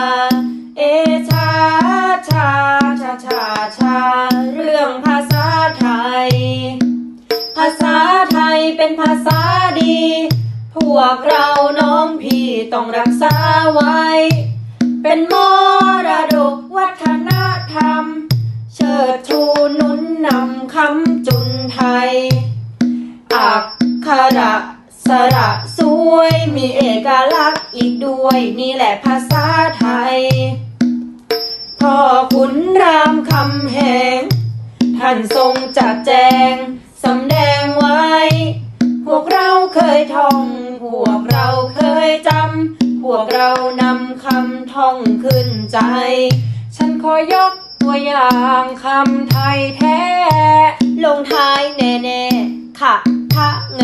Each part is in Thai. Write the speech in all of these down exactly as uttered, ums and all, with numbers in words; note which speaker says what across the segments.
Speaker 1: เอชาชาชาชาชาเรื่องภาษาไทยภาษาไทยเป็นภาษาดีพวกเราน้องพี่ต้องรักษาไว้เป็นมรดกวัฒนธรรมเชิดชูหนุนนำคำจุนไทยอักขระสระสวยมีเอกลักษณ์อีกด้วยนี่แหละภาษาไทยพ่อขุนรามคำแหงท่านทรงจัดแจงสำแดงไว้พวกเราเคยท่องพวกเราเคยจำพวกเรานำคำท่องขึ้นใจฉันขอยกตัวอย่างคำไทยแท้ลงท้ายแน่ๆค่ะทะไง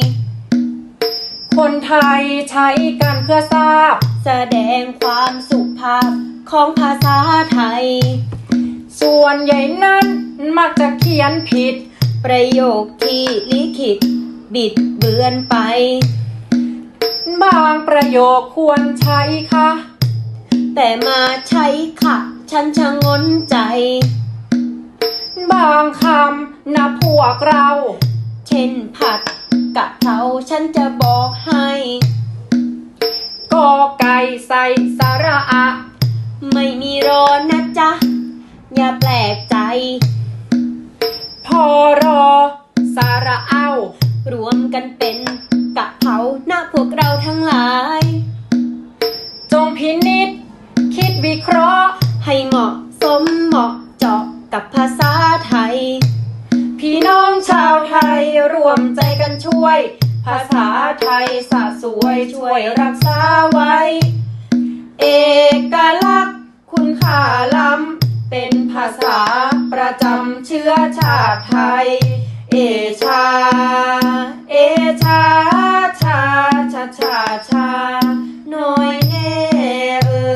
Speaker 1: คนไทยใช้กันเพื่อทราบแสดงความสุภาพของภาษาไทยส่วนใหญ่นั้นมักจะเขียนผิดประโยคที่ลิขิตบิดเบือนไปบางประโยคควรใช้ค่ะแต่มาใช้ค่ะฉันชะงนใจบางคำนะพวกเราเช่นผัดกะเพราฉันจะบอกให้กอไก่ใส่สระอะไม่มีรอนะจ๊ะอย่าแปลกใจพอรอสระเอารวมกันเป็นกะเพรานะพวกเราทั้งหลายจงพินิจคิดวิเคราะห์ให้เหมาะสมเหมาะเจาะกับภาษาไทยพี่น้องชาวไทยรวมใจกันช่วยภาษาไทยสะสวยช่วยรักษาไว้เอกลักษณ์คุณค่าล้ำเป็นภาษาประจำเชื้อชาติไทยเอชาเอชาชาชาชาชาน้อยแน่เอ่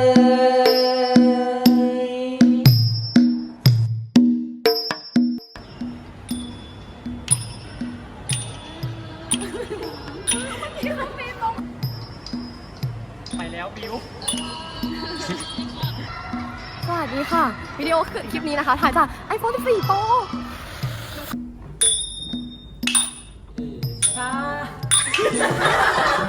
Speaker 1: ย
Speaker 2: ไปแล้วบิว
Speaker 3: สวัสดีค่ะ วิดีโอคลิปนี้นะคะถ่ายจาก ไอโฟนสิบสี่ Pro
Speaker 1: ชา